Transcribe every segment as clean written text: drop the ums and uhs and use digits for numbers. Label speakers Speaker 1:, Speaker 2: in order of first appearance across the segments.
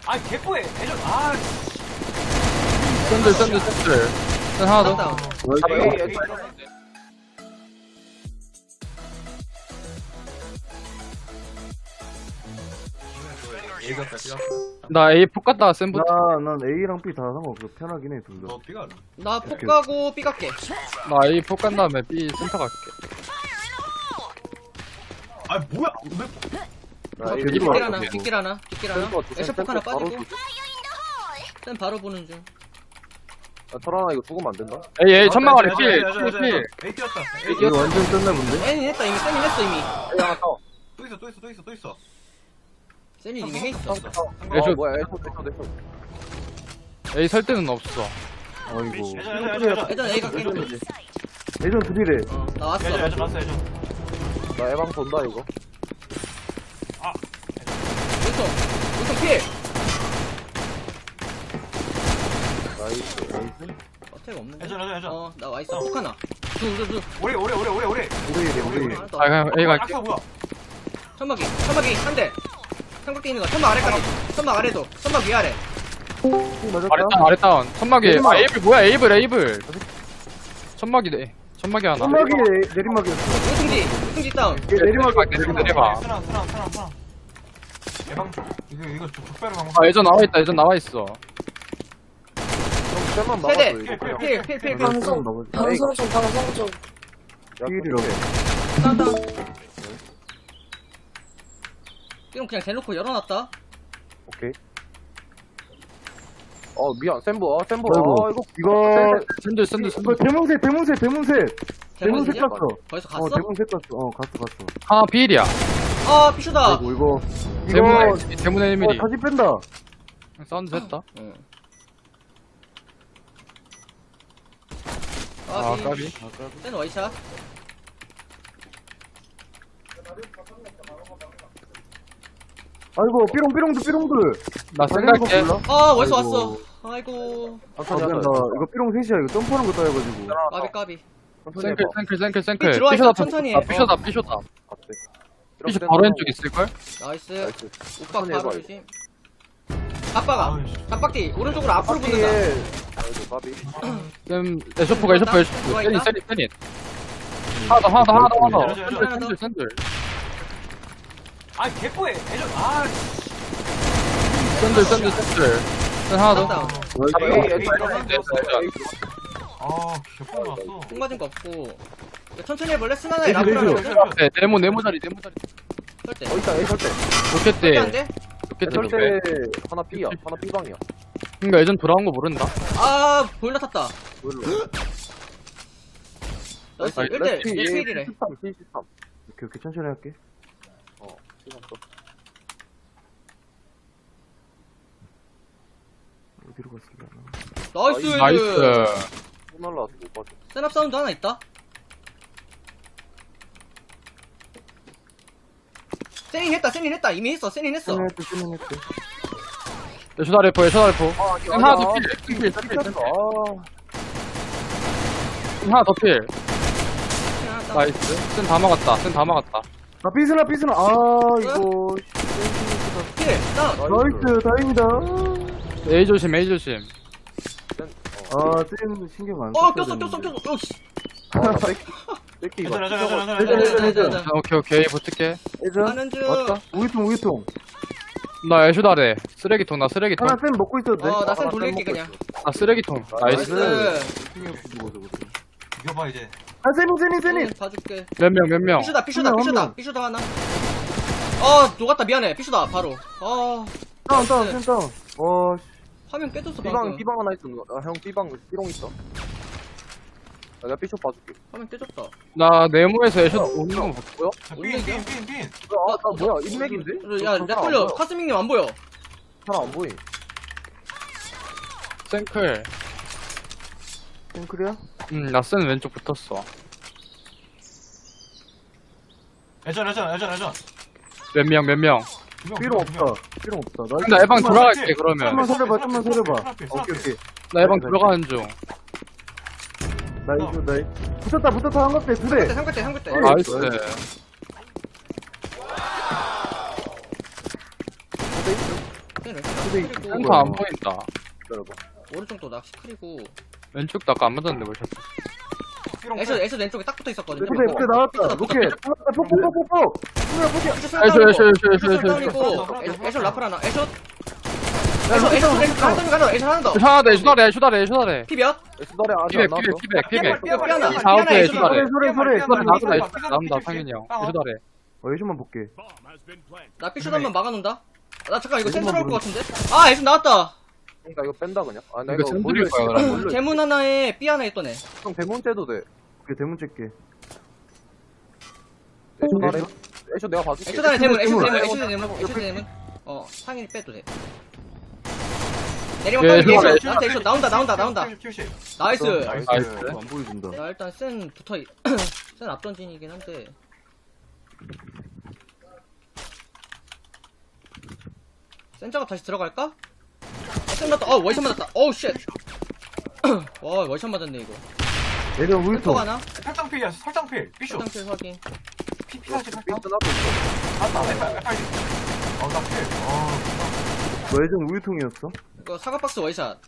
Speaker 1: 아 개뽀해 애전 아
Speaker 2: 샌들. 샌 하나 더. 나 A 폭 갔다가 샌부터.
Speaker 3: 난 A랑 B 다 상관없어. 편하긴 해, 둘 다.
Speaker 1: 너 삐가
Speaker 4: 나 폭 가고 B 갈게.
Speaker 2: 나 A 폭 간 다음에 B 센터 갈게.
Speaker 1: 아 뭐야
Speaker 3: 나 A
Speaker 2: 뒷길
Speaker 4: 뒷길
Speaker 2: 봐.
Speaker 4: 하나, 뒷길 하나, 뒷길 하나.
Speaker 3: 템포,
Speaker 4: 에쇼폭 하나
Speaker 3: 템포 바로
Speaker 4: 빠지고. 쌤 바로 보는 중.
Speaker 3: 야, 설아나 이거 죽으면 안 된다.
Speaker 2: A 천막 아래 필.
Speaker 1: 에이 뛰었다 에이
Speaker 3: 이거 완전 떴나 본데?
Speaker 4: 쌤이 했다, 이미 쌤이 했어, 이미.
Speaker 1: 또 있어
Speaker 4: 쌤이 이미 해 있어.
Speaker 2: 애쇼.
Speaker 3: 뭐야, 애쇼.
Speaker 2: A 설 때는 없어.
Speaker 3: 아이고.
Speaker 4: 예전 A 갈게.
Speaker 3: 예전 둘이래.
Speaker 4: 나 왔어.
Speaker 1: 애전 왔어 애전
Speaker 3: 나 에방 돈다, 이거.
Speaker 4: 우선 필.
Speaker 3: 나이스.
Speaker 4: 어택 없는데?
Speaker 1: 애전
Speaker 4: 나 와있어. 폭 하나. 둘.
Speaker 1: 오래
Speaker 3: 우리.
Speaker 2: 아 그냥 A 갈게.
Speaker 1: 악사 뭐야
Speaker 4: 천막이 한 대. 삼각대 있는 거. 천막 아래까지. 천막 아래도. 천막 위아래.
Speaker 2: 아래 다운. 천막이. 아 에이블 뭐야 에이블. 천막이 하나.
Speaker 3: 천막이 내리막이었어.
Speaker 4: 우승지 다운.
Speaker 2: 내려봐.
Speaker 1: 쓰나 예방 이거 족배로 방금
Speaker 2: 아 예전 나와 있어.
Speaker 3: 만
Speaker 4: 세대.
Speaker 3: 막았어, 이거.
Speaker 4: 필.
Speaker 3: 방송
Speaker 5: 방송 좀.
Speaker 3: 필이라고.
Speaker 4: 다운. 이건 그냥 대놓고 열어놨다.
Speaker 3: 오케이. 미안. 샘보. 아이고. 이거.
Speaker 2: 샌들.
Speaker 3: 이거 대문색. 대문색
Speaker 4: 대문이냐?
Speaker 3: 갔어.
Speaker 4: 벌써 갔어?
Speaker 3: 대문색 갔어. 갔어.
Speaker 2: 하나 B일이야.
Speaker 4: 아, 피쇼다.
Speaker 3: 아이고, 이거.
Speaker 2: 대문에 1mm.
Speaker 3: 다시 뺀다.
Speaker 2: 사운드 했다.
Speaker 4: 응.
Speaker 2: 아 까비.
Speaker 4: 쌤 와이샷.
Speaker 3: 아이고, 삐롱들.
Speaker 2: 나 생각해.
Speaker 4: 아, 월수
Speaker 3: 아이고.
Speaker 4: 왔어. 아이고.
Speaker 3: 미안, 나 이거 삐롱 셋이야. 이거 점프하는 거 따여가지고.
Speaker 4: 까비.
Speaker 2: 생클.
Speaker 4: 들어와 있어,
Speaker 2: 삐쇼다.
Speaker 4: 천천히 해.
Speaker 2: 아 삐쇼다. 삐쇼 바로 왼쪽 있을걸?
Speaker 4: 나이스. 오빠
Speaker 3: 천천히
Speaker 4: 바로
Speaker 3: 해봐,
Speaker 4: 조심. 갑바가. 갑박디. 오른쪽으로 앞으로 붙는다.
Speaker 3: 아이고, 까비.
Speaker 2: 쌤 에쇼프가
Speaker 4: 들어와 있나?
Speaker 2: 세니. 하나 더. 샌들.
Speaker 1: 아 개뽀해 애전 아
Speaker 2: 샌들. 샌 하나 더.
Speaker 4: 다운.
Speaker 1: 아 개뽀해 왔어
Speaker 4: 총 맞은 거 없고. 야, 천천히 해볼래? 스나나
Speaker 3: 레이저,
Speaker 4: 라프라는
Speaker 3: 레이저.
Speaker 4: 거.
Speaker 2: 네, 네모 자리.
Speaker 4: 설대.
Speaker 3: 있다, A 설때.
Speaker 2: 좋겠대.
Speaker 4: 안 돼?
Speaker 3: 설때 하나 B야. 하나 B방이야.
Speaker 2: 그니까 예전 돌아온 거 모른다.
Speaker 4: 아, 보일러 탔다. 나이스.
Speaker 3: 나이스.
Speaker 4: 1대 1이래.
Speaker 3: 73. 오케이, 천천히 할게. 시간 또. 어디로 갔을려나?
Speaker 4: 나이스.
Speaker 3: 손 날라와서 못 봤어.
Speaker 4: 센업 사운드 하나 있다. 세닝 했다. 이미 했어. 세닝 했어.
Speaker 3: 끝냈대.
Speaker 2: 에쇼다 래퍼. 하나 더 필. 하나 더 필. 나이스. 센 다 막았다.
Speaker 3: 아, 삐스나. 이거.
Speaker 4: 필. 다운.
Speaker 3: 나이스, 다행이다.
Speaker 2: A 조심.
Speaker 3: 쌤 신경 안
Speaker 4: 꼈어. 씨.
Speaker 3: 뺏기
Speaker 1: 애전
Speaker 4: 자.
Speaker 2: 오케이. 붙을게.
Speaker 3: 예전?
Speaker 4: 하는 중.
Speaker 3: 맞다. 우유통.
Speaker 2: 나 에쇼다래. 쓰레기통.
Speaker 3: 하나 쌤 먹고 있어도 돼?
Speaker 4: 나 쌤 돌릴게 그냥.
Speaker 2: 나 쓰레기통. 나이스.
Speaker 4: 나이스.
Speaker 3: 신경 쓰고 저거.
Speaker 1: 이겨봐 이제
Speaker 3: 아, 쌤이.
Speaker 4: 봐줄게.
Speaker 2: 몇 명.
Speaker 4: 피쇼다 하나. 녹았다. 미안해. 피쇼다 바로.
Speaker 3: 다운. 쌤 다운.
Speaker 4: 화면 깨졌어 방금.
Speaker 3: B방 하나 있어. 형 B방 삐롱 있어. 내가 B숍 봐줄게.
Speaker 4: 화면 깨졌다.
Speaker 2: 나 네모에서 에쇼 오는 건 봤고요.
Speaker 1: 빈
Speaker 3: 뭐야, 인맥인데?
Speaker 4: 야, 렉 걸려. 카스밍님 안 보여.
Speaker 3: 사람 안 보이.
Speaker 2: 생클.
Speaker 3: 쌤클이야?
Speaker 2: 나 센 왼쪽 붙었어.
Speaker 1: 애전
Speaker 2: 몇 명.
Speaker 3: 삐롱 없다.
Speaker 2: 나 에방 돌아갈게 그러면.
Speaker 3: 좀만 서려봐. 오케이.
Speaker 2: 나 에방 들어가는 중.
Speaker 3: 나이스. 붙었다. 한갑대 두 대.
Speaker 4: 삼각대.
Speaker 2: 나이스.
Speaker 4: 네,
Speaker 2: 센터 안 보인다.
Speaker 3: 기다려봐.
Speaker 4: 오른쪽도 낚시 크리고.
Speaker 2: 왼쪽도 아까 안 맞았는데 뭘 쳤어.
Speaker 1: 삐롱
Speaker 4: 애쇼 왼쪽에 딱 붙어 있었거든요.
Speaker 3: 근데 나왔다. 로켓. 폭폭폭폭.
Speaker 2: 애쇼.
Speaker 4: 애쇼 라플 하나. 애쇼 하나 더.
Speaker 2: 애쇼다래, 애쇼다래, 애쇼다래.
Speaker 4: 피 몇?
Speaker 3: 수달에 아직 안 나왔어.
Speaker 2: 피백.
Speaker 4: 삐아나.
Speaker 2: 이 사업에
Speaker 4: 삐아나
Speaker 2: 애쇼다래.
Speaker 3: 소리.
Speaker 2: 나온다, 상현이 형. 애쇼다래.
Speaker 3: 예시만 볼게.
Speaker 4: 나 삐쇼 한번 막아놓는다. 나 잠깐 이거 센터 올것 같은데? 아 애쇼 나왔다.
Speaker 3: 그러니까 이거 뺀다 그냥. 아, 나
Speaker 2: 이거
Speaker 3: 이거
Speaker 2: 샌들일 거야, 그러면.
Speaker 4: 대문 하나에 삐 하나 있던 애.
Speaker 3: 형 대문 째도 돼. 오케이 대문 째게. 애쇼 나래. 애쇼 내가 봐줄게.
Speaker 4: 애쇼 단에 대문. 상현이 빼도 돼. 내리막
Speaker 2: 예,
Speaker 4: 따는 게
Speaker 2: 애쇼
Speaker 4: 애쇼. 나한테 애쇼 나온다. 나이스.
Speaker 3: 나이스.
Speaker 2: 나이스.
Speaker 3: 안 보여준다.
Speaker 4: 야 일단 센 센 앞던진이긴 한데. 센 작업 다시 들어갈까? 센 맞다. 월샷 맞았다. 어우 쉣. 와 월샷 맞았네 이거.
Speaker 3: 얘는
Speaker 4: 센터
Speaker 3: 울통.
Speaker 4: 하나?
Speaker 1: 설정필이야, 설정필. 삐쇼.
Speaker 4: 화장실 확인.
Speaker 1: 피사지,
Speaker 3: 삐스
Speaker 1: 설정.
Speaker 3: 나도 있어.
Speaker 1: 맞다, 빨리. 나 필.
Speaker 3: 너 예전 우유통이었어?
Speaker 4: 이거 사과박스 월샷.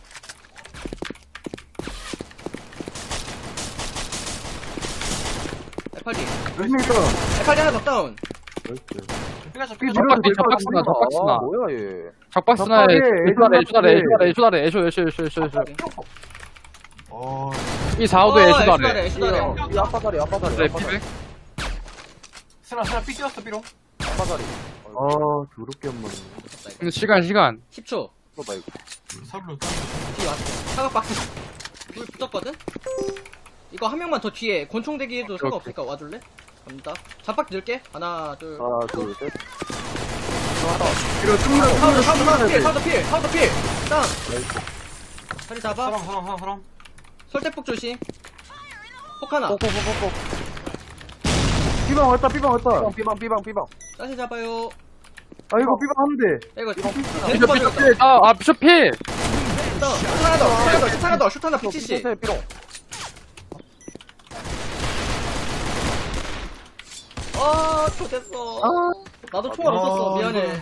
Speaker 4: F8D.
Speaker 3: 열심히 있다.
Speaker 4: F8D 하나 더 다운.
Speaker 3: 나이스.
Speaker 1: 삐가죠,
Speaker 3: 삐
Speaker 1: 삐가죠.
Speaker 3: 밀어도
Speaker 2: 작박스나,
Speaker 3: 될 것 같아.
Speaker 2: 작박스나.
Speaker 3: 아, 뭐야 얘.
Speaker 2: 작박스나에 애쇼다래. 애쇼. 이 4호도 애쇼다래.
Speaker 4: 애쇼다래.
Speaker 3: 이 아빠 다리.
Speaker 2: 그래, 피백.
Speaker 1: 스나, 삐 뛰었어, 삐롱.
Speaker 3: 아빠 다리. 아 더럽게 한 번에.
Speaker 2: 근데 시간.
Speaker 4: 10초.
Speaker 3: 봐 이거.
Speaker 1: 서로.
Speaker 4: 뒤에 왔어. 사과박스. 불 붙었거든? 이거 한 명만 더 뒤에 권총 대기해도 상관없으니까 와줄래? 갑니다. 잡박 넣을게. 하나, 둘.
Speaker 3: 하나 둘 셋.
Speaker 4: 사우더 필. 다운. 자리 잡아.
Speaker 1: 사람.
Speaker 4: 설대폭 조심. 폭 하나.
Speaker 3: 꼭꼭꼭꼭. 삐방 왔다. 삐방.
Speaker 4: 다시 잡아요.
Speaker 3: 아 이거 삐방 하면 돼.
Speaker 4: 야, 이거
Speaker 2: 비숍 필. 비숍 필.
Speaker 4: 슛 하나 더. 슛 하나 피치씨.
Speaker 3: 삐롱.
Speaker 4: 됐어. 나도 총알 없었어. 미안해.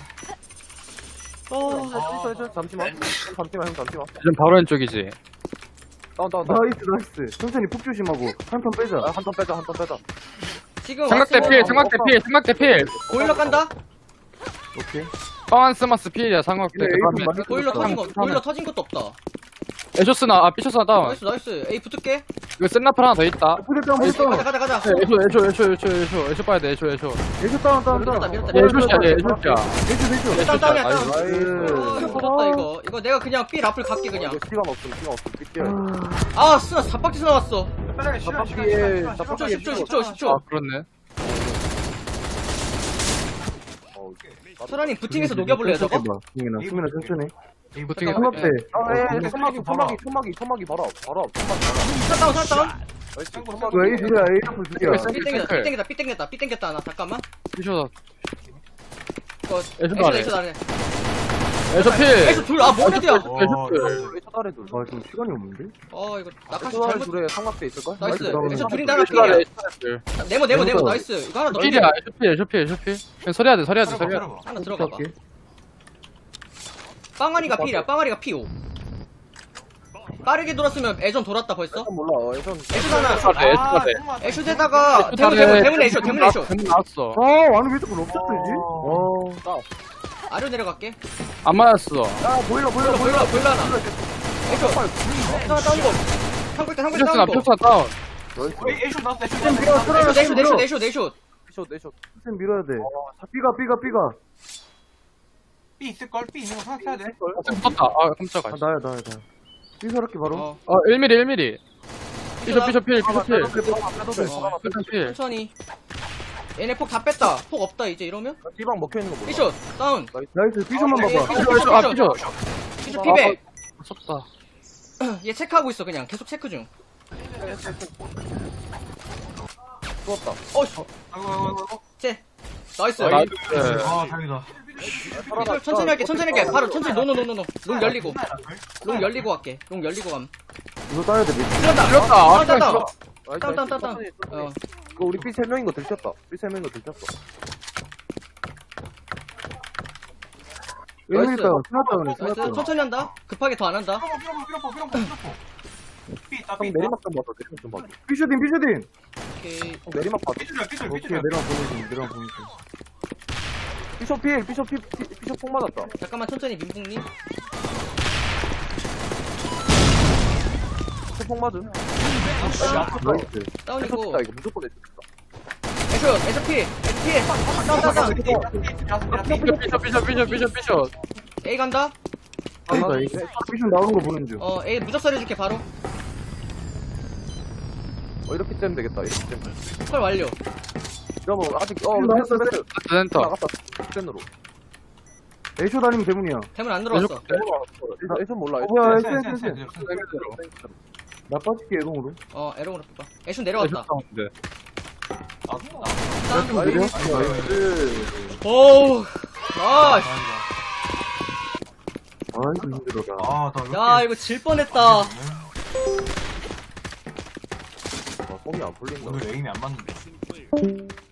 Speaker 3: 잠시만 형 잠시만.
Speaker 2: 지금 바로 왼쪽이지.
Speaker 3: 다운. 나이스. 천천히 폭 조심하고 한 턴 빼자. 한 턴 빼자.
Speaker 4: 지금
Speaker 2: 삼각대 필.
Speaker 4: 보일러 깐다?
Speaker 3: 오케이.
Speaker 2: 바운스마스 필이야, 삼각대.
Speaker 3: 근데 에이프 많이
Speaker 4: 보일러 터진 것도 없다.
Speaker 2: 애쇼스나, 삐쇼스나 다운.
Speaker 4: 나이스. 에이, 붙을게.
Speaker 2: 이거 센라플 하나 더 있다.
Speaker 4: 가자.
Speaker 2: 애쇼 봐야 돼, 애쇼.
Speaker 3: 애쇼 다운.
Speaker 2: 애쇼야.
Speaker 4: 일단 다운이야, 다운.
Speaker 3: 나이스.
Speaker 4: 터졌다, 이거 내가 그냥 삐 라플 갈게, 그냥.
Speaker 3: 시간 없음. 삐뛰어야
Speaker 4: 아, 스나 4박스 나왔어.
Speaker 3: 잡박기에
Speaker 4: 10초.
Speaker 2: 아, 그렇네.
Speaker 4: 소라님 부팅해서 녹여볼래요, 저거?
Speaker 3: 수민아 천천히.
Speaker 2: 부팅해.
Speaker 3: 삼각대. 천막이 바로 앞.
Speaker 4: 샷 다운.
Speaker 3: 왜 A2야 A2 두 개야.
Speaker 4: 삐 땡겼다, 하나. 잠깐만.
Speaker 2: 삐쇼.
Speaker 4: 이거,
Speaker 2: 애쇼 아래.
Speaker 4: 애쇼 아래.
Speaker 2: 애쇼 필.
Speaker 4: 애쇼 둘, 뭔 애들이야?
Speaker 3: 차다리도. 아 지금 시간이 없는데?
Speaker 4: 이거, 낙하시
Speaker 3: 차다리
Speaker 4: 잘못.
Speaker 3: 둘에 삼각대 있을걸?
Speaker 4: 나이스.
Speaker 3: 그러면.
Speaker 4: 애쇼 둘인데 하나 필이야. 네모, 나이스. 이거 하나 넣어.
Speaker 2: 필이야, 애쇼 필. 그냥 서려야 돼.
Speaker 4: 하나 들어가봐. 빵아리가 필이야. 빵아리가 P5. 빠르게 돌았으면 애전 돌았다 벌써.
Speaker 3: 몰라. 예전.
Speaker 4: 애쇼 하나.
Speaker 2: 애쇼다래.
Speaker 4: 애쇼대다가 대문 애쇼.
Speaker 2: 대문 나왔어.
Speaker 3: 아니 왜 자꾸 럽쳤지?
Speaker 4: 아래로 내려갈게.
Speaker 2: 안 맞았어.
Speaker 3: 야 보일러
Speaker 4: 보일러 하나. 애쇼. 하나 다운이고. 상글대
Speaker 2: 삐쇼스나,
Speaker 4: 다운이고.
Speaker 2: 다운.
Speaker 1: 에이쇼 나왔어,
Speaker 4: 내쇼.
Speaker 3: 내쇼. 좀 밀어야 돼. 삐가.
Speaker 1: 삐 있을걸? 삐 있는 거 생각해야 돼.
Speaker 2: 붙었다. 아, 깜짝아.
Speaker 3: 나야. 삐서럽게 바로.
Speaker 2: 1mm. 삐쇼 필.
Speaker 4: 천천히. 얘네 폭 다 뺐다. 폭 없다 이제 이러면.
Speaker 3: 삐방 먹혀있는 거 몰라.
Speaker 4: 삐쇼 다운.
Speaker 3: 나이스 삐ሾ만 봐봐.
Speaker 4: 삐쇼 피백.
Speaker 2: 무섭다.
Speaker 4: 얘 체크하고 있어 그냥. 계속 체크 중.
Speaker 3: 죽었다.
Speaker 1: 아이고.
Speaker 4: 쟤. 나이스.
Speaker 2: 나이스.
Speaker 1: 다행이다.
Speaker 4: 천천히 할게. 바로 천천히. 노노. 롱 열리고 갈게. 롱 열리고 감.
Speaker 3: 이거 따야 돼.
Speaker 4: 들었다.
Speaker 2: 들렸다.
Speaker 4: 다운.
Speaker 3: 그거 우리 삐 3명인 거 들켰다. 삐 3명인 거 들켰어. 왼쪽 있다. 스나다운에
Speaker 4: 나이스.
Speaker 3: 스나다운.
Speaker 4: 천천히 한다. 급하게 더 안 한다.
Speaker 1: 삐롱포. 삐 있다, 삐 있다.
Speaker 3: 내리막 좀 봐줘. 내리막 좀 봐줘. 삐슈딘.
Speaker 4: 오케이.
Speaker 3: 내리막 봐줘.
Speaker 1: 삐줄이야, 삐줄,
Speaker 3: 오케이,
Speaker 1: 삐줄이야.
Speaker 3: 내리막 보내줘. 내리막 보내줘. 삐숍 폭 맞았다.
Speaker 4: 잠깐만 천천히 민붕님.
Speaker 3: 폭 맞음.
Speaker 4: 나이스. 다운이고.
Speaker 3: 에스다 이거 무조건 에스다.
Speaker 4: SP. 다운.
Speaker 2: 삐셔.
Speaker 4: A 간다.
Speaker 3: 삐숍 나오는 거 보는 중.
Speaker 4: A 무적설 해줄게 바로.
Speaker 3: 이렇게 째면 되겠다. 이렇게 째면.
Speaker 4: 컬 완료.
Speaker 3: 이러면 아직 패스.
Speaker 2: 센터.
Speaker 3: 나갔다. 센으로. 에이쇼 다니면 대문이야.
Speaker 4: 대문 안 들어왔어.
Speaker 3: 에이쇼 몰라.
Speaker 1: 뭐야,
Speaker 3: 센. 나 빠질게 애동으로.
Speaker 4: 에러으로 뽑아. 애쇼 내려왔다. 오우. 나이스.
Speaker 3: 아이고 힘들어라.
Speaker 1: 아, 나
Speaker 4: 야 이거 질 뻔했다.
Speaker 3: 폼이 안 풀린다.
Speaker 1: 오늘 에임이 안 맞는데.